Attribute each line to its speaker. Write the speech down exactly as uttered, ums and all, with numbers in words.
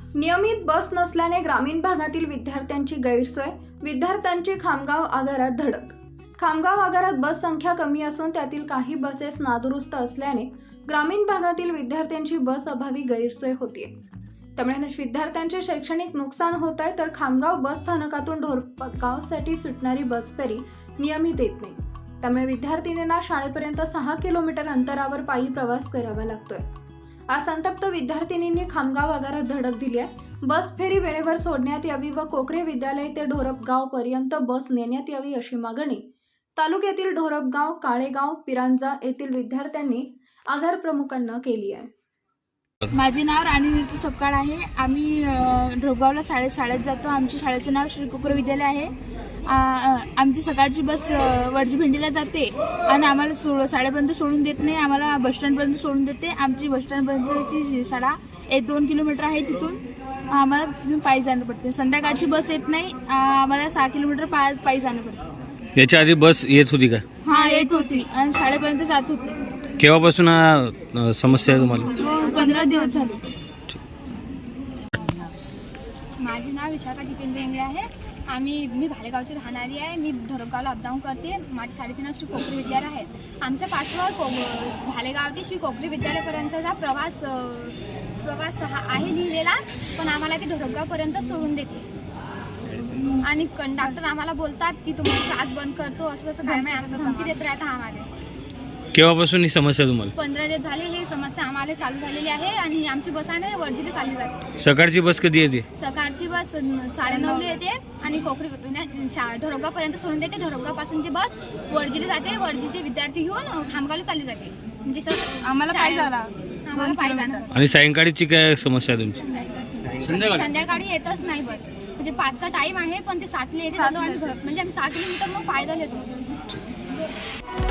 Speaker 1: नियमित बस नसल्याने ग्रामीण भागातील विद्यार्थ्यांची गैरसोय, विद्यार्थ्यांची खामगाव आगारात धडक। खामगाव आगारात बस संख्या कमी असून त्यातील काही बसेस नादुरुस्त असल्याने ग्रामीण भागातील विद्यार्थ्यांची बस अभावी गैरसोय होतीये। त्यामुळे विद्यार्थ्यांचे शैक्षणिक नुकसान होत आहे, तर खामगाव बस स्थानकातून ढोरगावसाठी सुटणारी बस फेरी नियमित येत नाही। त्यामुळे विद्यार्थिनींना शाळेपर्यंत सहा किलोमीटर अंतरावर पायी प्रवास करावा लागतोय। आज संतप्त विद्यार्थिनींनी खामगाव आगारात धडक दिली आहे। बस फेरी वेळेवर सोडण्यात यावी व कोकरे विद्यालय ते ढोरगाव पर्यंत बस नेण्यात यावी अशी मागणी तालुक्यातील ढोरगाव, काळेगाव, पिरांजा येथील विद्यार्थ्यांनी आगार प्रमुखांना केली आहे।
Speaker 2: माझे नाव राणी सपकाळ आहे। आम्ही ढोरगावला शाळेत शाळेत जातो। आमच्या शाळेचे नाव श्री कोकरे विद्यालय आहे। आमची सकाळची बस वडजी भेंडीला जाते आणि आम्हाला सो शाळेपर्यंत सोडून देत नाही, आम्हाला बसस्टँडपर्यंत सोडून देते। आमची बसस्टँडपर्यंतची शाळा एक दोन किलोमीटर आहे, तिथून आम्हाला तिथून पायी जाणं पडते। संध्याकाळची बस येत नाही, आम्हाला सहा किलोमीटर पाय पायी जाणं पडते।
Speaker 3: याच्या आधी बस येत होती का?
Speaker 2: हां, येत होती आणि शाळेपर्यंत जात होती।
Speaker 3: केव्हापासून हा समस्या आहे तुम्हाला?
Speaker 2: पंधरा दिवस झाले।
Speaker 4: माझे नाव विशाखा जितेंद्र इंगळे आहे। आम्ही मी भालेगावची राहणारी आहे। मी ढोरगावला अपडाऊन करते। माझ्या शाळेचे नाव श्री कोकरे विद्यालय आहे। आमच्या पाठवर को भालेगाव ते श्री कोकरे विद्यालयापर्यंतचा प्रवास प्रवास हा आहे लिहिलेला, पण आम्हाला ते ढोरगावपर्यंत सोडून देते आणि कंडक्टर आम्हाला बोलतात की तुम्ही क्लास बंद करतो, असं तसं काय नाही धमकी देत राहता आम्हाला।
Speaker 3: केव्हापासून ही समस्या तुम्हाला?
Speaker 4: पंधरा दिवस झाले ही समस्या आम्हाला चालू झालेली आहे आणि आमची बस आहे ना वडजीला चालली जाते।
Speaker 3: सकाळची बस कधी येते?
Speaker 4: सकाळची बस साडेनऊला येते आणि कोकरी ढोरगावपर्यंत सोडून देते। ढोरगावपासून ती बस वडजीला जाते, वडजीचे विद्यार्थी घेऊन खामगावला चालली जाते। म्हणजे सर
Speaker 2: आम्हाला पायी जाणं
Speaker 4: आम्हाला पायी जाणं।
Speaker 3: आणि सायंकाळीची काय समस्या आहे तुमची?
Speaker 4: संध्याकाळी येतच नाही बस, म्हणजे पाचचा टाइम आहे पण ते सातला येते आणि म्हणजे आम्ही सहा किलोमीटर मग पायदल येतो।